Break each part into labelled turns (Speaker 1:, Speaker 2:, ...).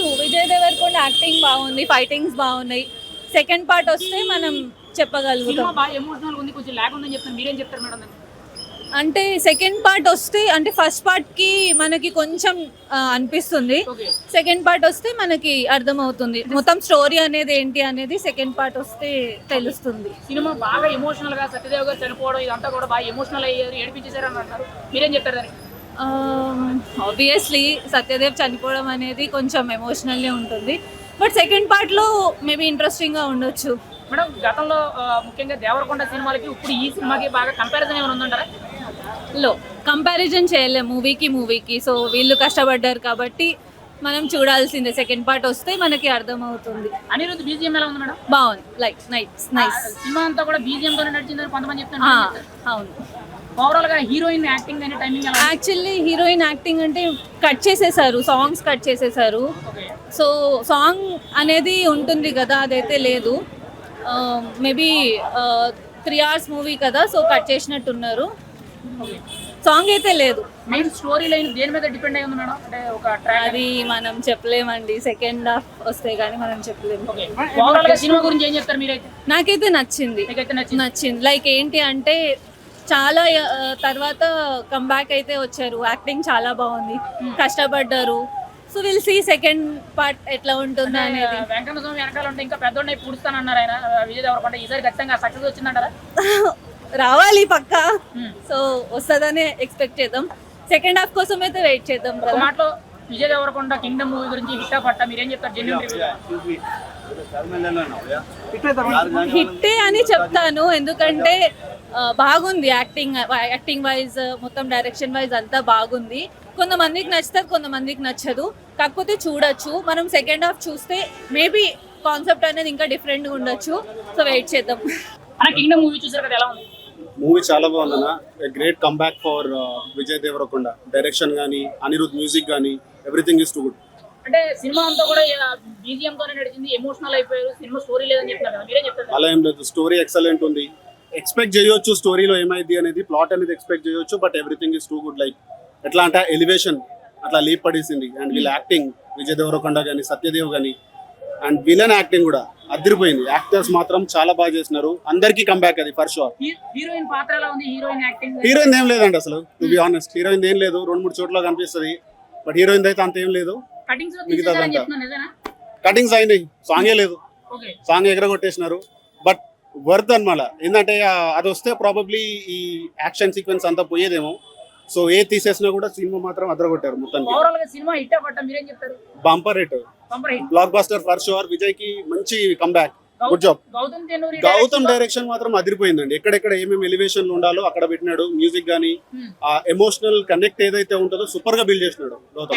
Speaker 1: Vijay Deverakonda acting బాగుంది, fightings బాగున్నాయి. Second part వస్తే మనం చెప్పగలుగుతాం.
Speaker 2: సినిమా బాగా ఎమోషనల్ ఉంది, కొంచెం లాగ్ ఉందని చెప్తాను, మీరేం చెప్తారు మేడం దానికి?
Speaker 1: అంటే సెకండ్ పార్ట్ వస్తే అంటే ఫస్ట్ పార్ట్ కి మనకి కొంచెం అనిపిస్తుంది.
Speaker 2: ఓకే.
Speaker 1: సెకండ్ పార్ట్ వస్తే మనకి అర్థమవుతుంది మొత్తం స్టోరీ అనేది ఏంటి అనేది. సెకండ్ పార్ట్ వస్తే తెలుస్తుంది.
Speaker 2: సినిమా బాగా ఎమోషనల్ గా సత్యదేవ్ గారు చనిపోవడం ఇదంతా కూడా బాగా ఎమోషనల్ అయ్యారు, ఏడిపించేశారు అని అంటారు, మీరేం చెప్తారు దానికి?
Speaker 1: ఆబ్వియస్లీ సత్యదేవ్ చనిపోవడం అనేది కొంచెం ఎమోషనల్లే ఉంటుంది. బట్ సెకండ్ పార్ట్లో మేబీ ఇంట్రెస్టింగ్గా ఉండొచ్చు.
Speaker 2: మేడం గతంలో ముఖ్యంగా దేవరకొండ సినిమాలకి ఇప్పుడు ఈ సినిమాకి బాగా కంపారిజన్ ఏమైనా ఉందంటారా?
Speaker 1: లో కంపారిజన్ చేయలేము మూవీకి. సో వీళ్ళు కష్టపడ్డారు కాబట్టి మనం చూడాల్సిందే. సెకండ్ పార్ట్ వస్తే మనకి అర్థమవుతుంది.
Speaker 2: అనిరుద్ధ్ బీజిఎం ఎలా ఉంది మేడం?
Speaker 1: బాగుంది, లైక్ నైస్.
Speaker 2: సినిమా అంతా కూడా బీజిఎం తోనే నడిచిందని కొంతమంది చెప్తున్నారు.
Speaker 1: అవును.
Speaker 2: ఓవరాల్ గా హీరోయిన్ యాక్టింగ్ అనే టైమింగ్ ఎలా?
Speaker 1: యాక్చువల్లీ హీరోయిన్ యాక్టింగ్ అంటే కట్ చేసేసారు, సాంగ్స్ కట్ చేసేసారు.
Speaker 2: ఓకే.
Speaker 1: సో సాంగ్ అనేది ఉంటుంది కదా, అదైతే లేదు. మేబీ 3 hours మూవీ కదా, సో కట్ చేసినట్టున్నారు. సాంగ్ అయితే లేదు.
Speaker 2: మెయిన్ స్టోరీ లైన్ దేని మీద డిపెండ్ అయి ఉంది మేడం? అంటే ఒక ట్రాక్
Speaker 1: అది మనం చెప్పలేమండి. సెకండ్ హాఫ్ వస్తే గానీ మనం చెప్పలేము.
Speaker 2: ఓకే. ఓవరాల్ గా సినిమా గురించి ఏం చెప్తారు మీరైతే?
Speaker 1: నాకైతే నచ్చింది.
Speaker 2: మీకైతే నచ్చింది?
Speaker 1: లైక్ ఏంటి అంటే చాలా తర్వాత కంబ్యాక్ అయితే వచ్చారు. యాక్టింగ్ చాలా బాగుంది, కష్టపడ్డారు. So will see second part ఎట్లా ఉంటుంది అనేది.
Speaker 2: వెంకన్న స్వామి వెనకాల ఉంటే ఇంకా పెద్దోడిని పూడుస్తానన్నారు ఆయన, విజయ్ దేవరకొండ. ఈసారి ఖచ్చితంగా సక్సెస్ వచ్చిందంటారా?
Speaker 1: రావాలి పక్కా. సో వస్తుందనే ఎక్స్పెక్ట్ చేద్దాం. సెకండ్ హాఫ్ కోసం అయితే వెయిట్ చేద్దాం.
Speaker 2: ఒక మాటలో విజయ్ దేవరకొండ కింగ్డమ్ మూవీ గురించి హిట్ పట్ట మీరేం చెప్తారు? జెన్యూన్
Speaker 1: హిట్టే అని చెప్తాను, ఎందుకంటే బాగుంది. యాక్టింగ్ వైజ్ మొత్తం డైరెక్షన్ వైజ్ అంతా బాగుంది. కొంతమందికి నచ్చుతుంది, కొంతమందికి నచ్చదు. కాకపోతే చూడొచ్చు. మనం సెకండ్ హాఫ్ చూస్తే మేబీ కాన్సెప్ట్ అనేది ఇంకా డిఫరెంట్గా ఉండొచ్చు. సో వెయిట్ చేద్దాం.
Speaker 2: కింగ్డమ్ మూవీ చూసారు కదా, ఎలా ఉంది?
Speaker 3: మూవీ చాలా బాగుందన్న. Great comeback for Vijay Deverakonda. Direction కానీ, అనిరుద్ధ్ మ్యూజిక్ కానీ, ఎవ్రీథింగ్ ఈస్ టు గుడ్.
Speaker 2: అంటే సినిమా అంతా కూడా బీజిఎం తోనే నడిచింది, ఎమోషనల్ అయిపోయారు, సినిమా స్టోరీ లేదని చెప్తున్నారు కదా, మీరేం చెప్తారు?
Speaker 3: అలా ఏం లేదు, స్టోరీ ఎక్సలెంట్ ఉంది. ఎక్స్పెక్ట్ చేయొచ్చు స్టోరీలో ఏమైంది అనేది, ప్లాట్ అనేది ఎక్స్పెక్ట్ చేయొచ్చు. But everything is too good. Like ఎట్లా అంటే ఎలివేషన్ అట్లా లీప్ పడేసింది. అండ్ వీళ్ళ యాక్టింగ్, విజయ్ దేవరకొండ కానీ, సత్యదేవ్ కానీ, అండ్ విలన్ యాక్టింగ్ కూడా అదిరిపోయింది. యాక్టర్స్ మాత్రం చాలా బాగా చేసినారు. అందరికీ కంబ్యాక్ అది ఫర్ షూర్.
Speaker 2: హీరోయిన్ పాత్ర ఎలా ఉంది? Heroine acting?
Speaker 3: హీరోయిన్ ఏం లేదండి అసలు, టు బి ఆనెస్ట్. హీరోయిన్ ఏం లేదు, 2-3 చోట్ల కనిపిస్తుంది. బట్ హీరోయిన్ అయితే అంత ఏం లేదు. కటింగ్స్ అయినాయి, సాంగే లేదు. సాంగ్ ఎగరగొట్టేసినారు. బట్ వర్త్ అనమాట. ఏంటంటే అది వస్తే ప్రాబబ్లీ ఈ యాక్షన్ సీక్వెన్స్ అంతా పోయేదేమో. సో ఏ తీసేసినా కూడా సినిమా మాత్రం అదరగొట్టారు మొత్తం. Bumper hit, blockbuster for sure. Vijay కి మంచి comeback, good job. Gautam direction మాత్రం అదిరిపోయిందండి. ఎక్కడెక్కడ ఏమేమి ఎలివేషన్లు ఉండాలో అక్కడ పెట్టినాడు. మ్యూజిక్ గానీ, ఆ ఎమోషనల్ కనెక్ట్ ఏదైతే ఉంటుందో సూపర్ గా బిల్డ్ చేసినాడు గౌతమ్.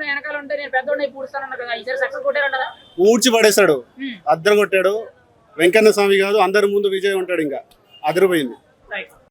Speaker 3: ఊడ్చి పడేశాడు, అద్దరు కొట్టాడు. వెంకన్న స్వామి కాదు, అందరి ముందు విజయ్ ఉంటాడు. ఇంకా అదిరిపోయింది.